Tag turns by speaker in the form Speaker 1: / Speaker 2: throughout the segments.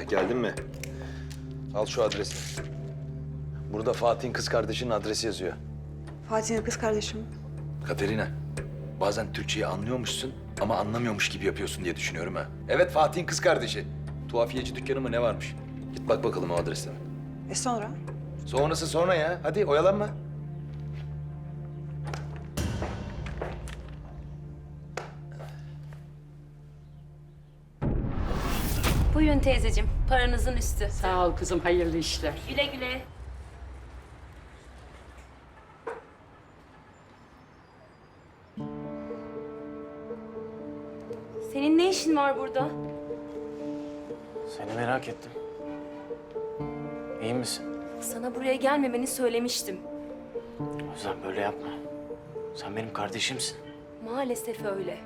Speaker 1: geldin mi? Al şu adresi. Burada Fatih'in kız kardeşinin adresi yazıyor.
Speaker 2: Fatih'in kız kardeşim.
Speaker 1: Katerina, bazen Türkçeyi anlıyormuşsun ama anlamıyormuş gibi yapıyorsun diye düşünüyorum ha. Evet, Fatih'in kız kardeşi. Tuhafiyeci dükkanı mı ne varmış? Git bak bakalım o adreste.
Speaker 2: Sonra?
Speaker 1: Sonrası sonra ya. Hadi oyalanma.
Speaker 3: Buyurun teyzeciğim, paranızın üstü.
Speaker 4: Sağ ol kızım, hayırlı işler.
Speaker 3: Güle güle. Senin ne işin var burada?
Speaker 5: Seni merak ettim. İyi misin?
Speaker 3: Sana buraya gelmemeni söylemiştim.
Speaker 5: Özlem böyle yapma. Sen benim kardeşimsin.
Speaker 3: Maalesef öyle.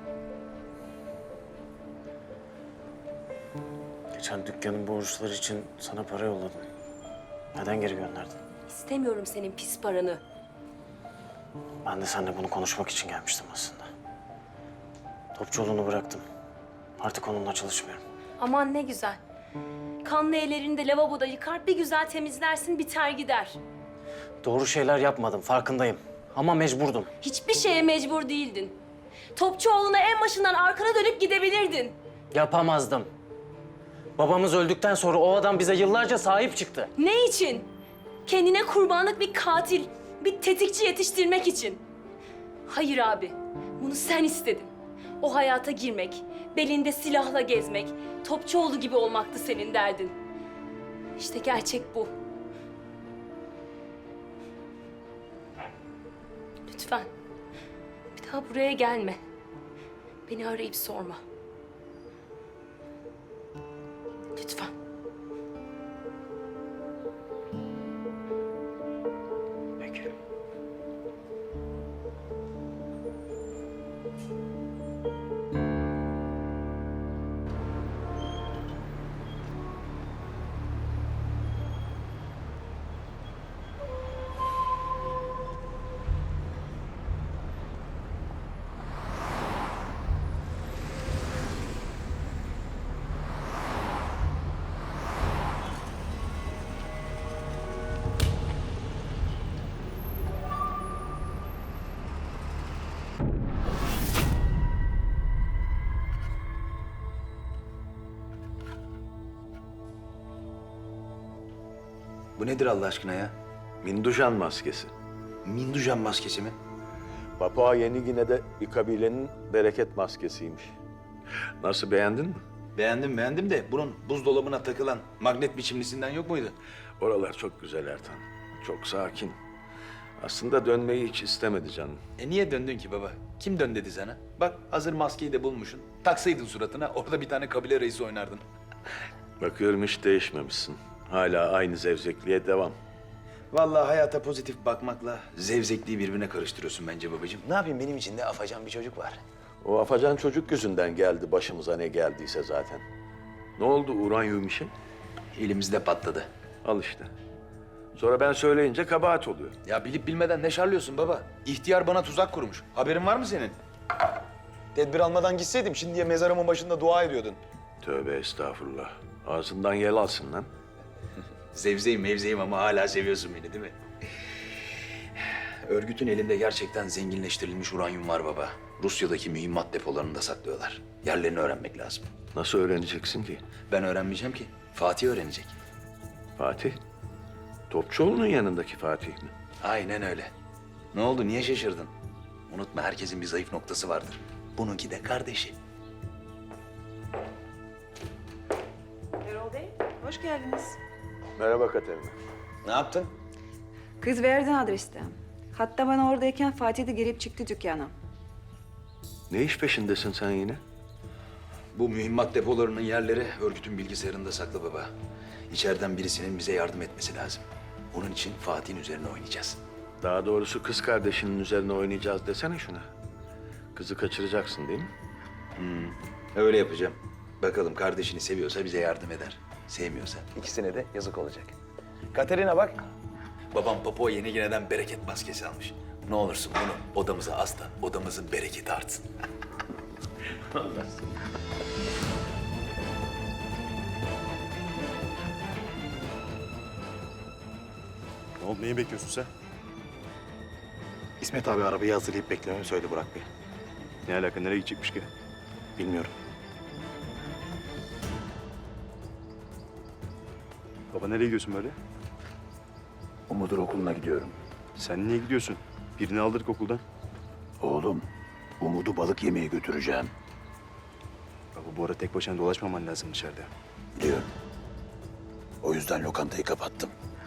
Speaker 5: Geçen dükkanın borçları için sana para yolladım. Neden geri gönderdin?
Speaker 3: İstemiyorum senin pis paranı.
Speaker 5: Ben de seninle bunu konuşmak için gelmiştim aslında. Topçuluğunu bıraktım. Artık onunla çalışmıyorum.
Speaker 3: Aman ne güzel. Kanlı ellerini de lavaboda yıkar, bir güzel temizlersin, biter gider.
Speaker 5: Doğru şeyler yapmadım, farkındayım. Ama mecburdum.
Speaker 3: Hiçbir şeye mecbur değildin. Topçuoğlu'na en başından arkana dönüp gidebilirdin.
Speaker 5: Yapamazdım. Babamız öldükten sonra o adam bize yıllarca sahip çıktı.
Speaker 3: Ne için? Kendine kurbanlık bir katil, bir tetikçi yetiştirmek için. Hayır abi, bunu sen istedin. O hayata girmek, belinde silahla gezmek, Topçuoğlu gibi olmaktı senin derdin. İşte gerçek bu. Lütfen, bir daha buraya gelme. Beni arayıp sorma. Lütfen.
Speaker 5: Peki.
Speaker 1: Bu nedir Allah aşkına ya?
Speaker 6: Mindujan maskesi.
Speaker 1: Mindujan maskesi mi?
Speaker 6: Papua Yeni Gine'de bir kabilenin bereket maskesiymiş. Nasıl, beğendin mi?
Speaker 1: Beğendim de bunun buzdolabına takılan magnet biçimlisinden yok muydu?
Speaker 6: Oralar çok güzel Ertan. Çok sakin. Aslında dönmeyi hiç istemedi canım.
Speaker 1: Niye döndün ki baba? Kim dön dedi sana? Bak hazır maskeyi de bulmuşsun. Taksaydın suratına, orada bir tane kabile reisi oynardın.
Speaker 6: Bakıyorum hiç değişmemişsin. Hala aynı zevzekliğe devam.
Speaker 1: Vallahi hayata pozitif bakmakla zevzekliği birbirine karıştırıyorsun bence babacığım. Ne yapayım, benim içinde afacan bir çocuk var.
Speaker 6: O afacan çocuk yüzünden geldi başımıza ne geldiyse zaten. Ne oldu uranyum işi?
Speaker 1: Elimizde patladı.
Speaker 6: Al işte. Sonra ben söyleyince kabahat oluyor.
Speaker 1: Ya bilip bilmeden ne şarlıyorsun baba? İhtiyar bana tuzak kurmuş. Haberin var mı senin? Tedbir almadan gitseydim şimdiye mezarımın başında dua ediyordun.
Speaker 6: Tövbe estağfurullah. Ağzından yel alsın lan.
Speaker 1: Zevzeyim mevzeyim ama hala seviyorsun beni değil mi? Örgütün elinde gerçekten zenginleştirilmiş uranyum var baba. Rusya'daki mühimmat depolarında saklıyorlar. Yerlerini öğrenmek lazım.
Speaker 6: Nasıl öğreneceksin ki?
Speaker 1: Ben öğrenmeyeceğim ki. Fatih öğrenecek.
Speaker 6: Fatih? Topçuoğlu'nun yanındaki Fatih mi?
Speaker 1: Aynen öyle. Ne oldu, niye şaşırdın? Unutma, herkesin bir zayıf noktası vardır. Bununki de kardeşi.
Speaker 2: Erol Bey, hoş geldiniz.
Speaker 6: Merhaba Katerina.
Speaker 1: Ne yaptın?
Speaker 2: Kız verdin adreste. Hatta ben oradayken Fatih de girip çıktı dükkana.
Speaker 6: Ne iş peşindesin sen yine?
Speaker 1: Bu mühimmat depolarının yerleri örgütün bilgisayarında saklı baba. İçeriden birisinin bize yardım etmesi lazım. Onun için Fatih'in üzerine oynayacağız.
Speaker 6: Daha doğrusu kız kardeşinin üzerine oynayacağız desene şuna. Kızı kaçıracaksın değil mi?
Speaker 1: Öyle yapacağım. Bakalım kardeşini seviyorsa bize yardım eder. Sevmiyorsa ikisine de yazık olacak. Katerina bak. Babam Papua Yeni Gine'den bereket maskesi almış. Ne olursun bunu odamıza as da odamızın bereketi artsın.
Speaker 4: oldu? Neyi bekliyorsun sen?
Speaker 7: İsmet abi arabayı hazırlayıp beklememi söyledi Burak Bey.
Speaker 4: Ne alaka? Nereye gidecekmiş ki?
Speaker 7: Bilmiyorum.
Speaker 4: Baba nereye gidiyorsun böyle?
Speaker 6: Umut'un okuluna gidiyorum.
Speaker 4: Sen niye gidiyorsun? Birini aldırdık okuldan.
Speaker 6: Oğlum, Umut'u balık yemeye götüreceğim.
Speaker 4: Baba bu ara tek başına dolaşmaman lazım dışarıda.
Speaker 6: Biliyorum. O yüzden lokantayı kapattım.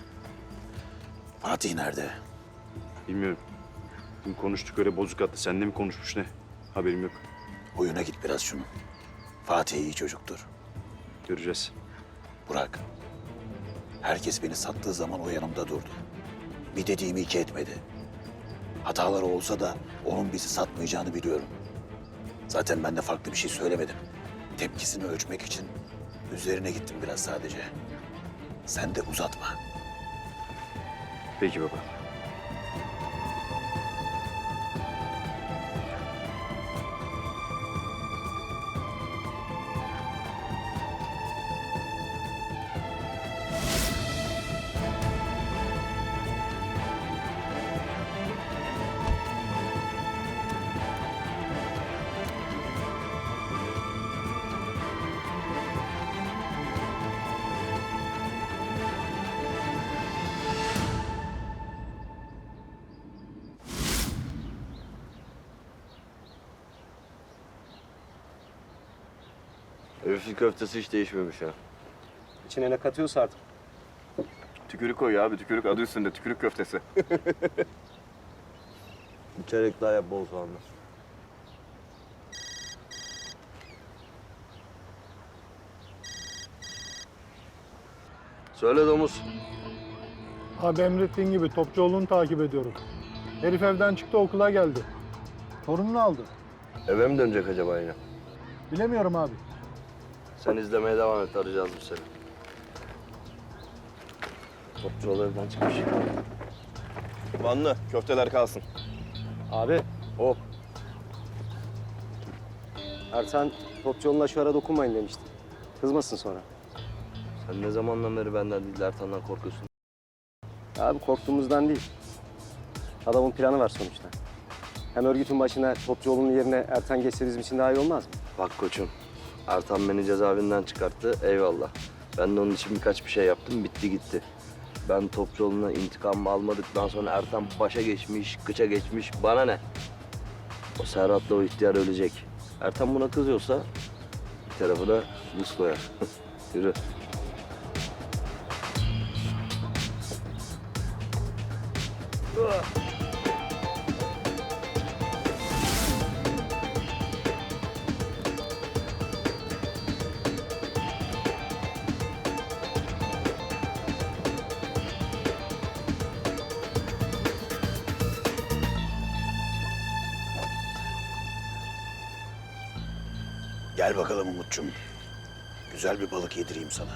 Speaker 6: Fatih nerede?
Speaker 4: Bilmiyorum. Dün konuştuk öyle bozuk attı. Seninle mi konuşmuş ne? Haberim yok.
Speaker 6: Oyuna git biraz şunu. Fatih iyi çocuktur.
Speaker 4: Göreceğiz.
Speaker 6: Burak. Herkes beni sattığı zaman o yanımda durdu. Bir dediğimi iki etmedi. Hataları olsa da onun bizi satmayacağını biliyorum. Zaten ben de farklı bir şey söylemedim. Tepkisini ölçmek için üzerine gittim biraz sadece. Sen de uzatma.
Speaker 4: Peki baba.
Speaker 8: Herifin köftesi hiç değişmemiş ha.
Speaker 5: İçine ne katıyorsa artık.
Speaker 8: Tükürük koy abi, tükürük adı üstünde, tükürük köftesi. Bir çeyrek daha yap bol soğanlı. Söyle domuz.
Speaker 9: Abi emrettiğin gibi Topçuoğlu'nu takip ediyorum. Herif evden çıktı okula geldi. Torununu aldı.
Speaker 8: Eve mi dönecek acaba yine?
Speaker 9: Bilemiyorum abi.
Speaker 8: Sen izlemeye devam et, arayacağız biz seni. Topçuoğlu evden çıkmış.
Speaker 10: Vanlı, köfteler kalsın.
Speaker 5: Abi.
Speaker 8: Hop.
Speaker 5: Ertan Topçuoğlu'na şu ara dokunmayın demişti. Kızmasın sonra.
Speaker 8: Sen ne zamandan beri benden değil Ertan'dan korkuyorsun?
Speaker 5: Abi korktuğumuzdan değil. Adamın planı var sonuçta. Hem örgütün başına Topçuoğlu'nun yerine Ertan geçse bizim için daha iyi olmaz mı?
Speaker 8: Bak koçum, Ertan beni cezaevinden çıkarttı, eyvallah. Ben de onun için birkaç bir şey yaptım, bitti gitti. Ben Topçuoğlu'na intikamımı almadıktan sonra Ertan başa geçmiş, kıça geçmiş, bana ne? O Serhat'la o ihtiyar ölecek. Ertan buna kızıyorsa bir tarafı da buz koyar. Yürü.
Speaker 6: Gel bakalım Umut'cum. Güzel bir balık yedireyim sana.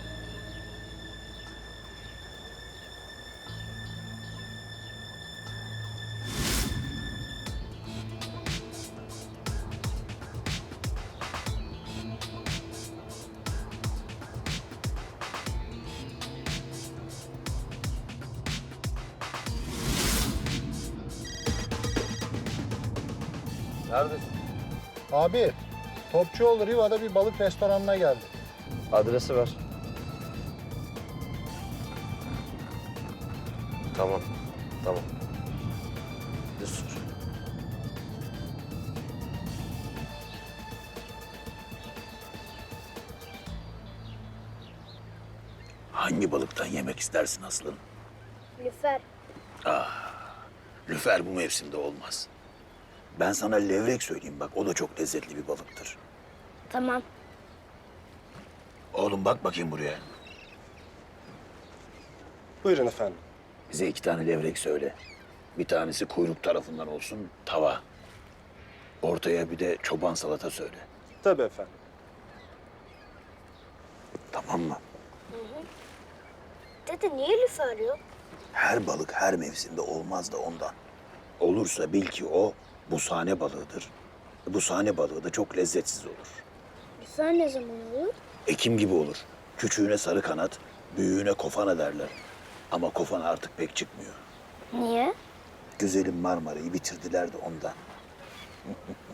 Speaker 8: Neredesin?
Speaker 9: Abi Topçuoğlu Riva'da bir balık restoranına geldi.
Speaker 8: Adresi ver. Tamam, tamam. Dur.
Speaker 6: Hangi balıktan yemek istersin Aslım?
Speaker 11: Lüfer.
Speaker 6: Lüfer bu mevsimde olmaz. Ben sana levrek söyleyeyim bak, o da çok lezzetli bir balıktır.
Speaker 11: Tamam.
Speaker 6: Oğlum bak bakayım buraya.
Speaker 5: Buyurun efendim.
Speaker 6: Bize 2 tane levrek söyle. Bir tanesi kuyruk tarafından olsun, tava. Ortaya bir de çoban salata söyle.
Speaker 5: Tabii efendim.
Speaker 6: Tamam mı?
Speaker 11: Dede niye lüfer yok?
Speaker 6: Her balık her mevsimde olmaz da ondan. Olursa bil ki o busane balığıdır. Busane balığı da çok lezzetsiz olur.
Speaker 11: Lüfer ne zaman olur?
Speaker 6: Ekim gibi olur. Küçüğüne sarı kanat, büyüğüne kofana derler. Ama kofana artık pek çıkmıyor.
Speaker 11: Niye?
Speaker 6: Güzelim Marmara'yı bitirdiler de ondan.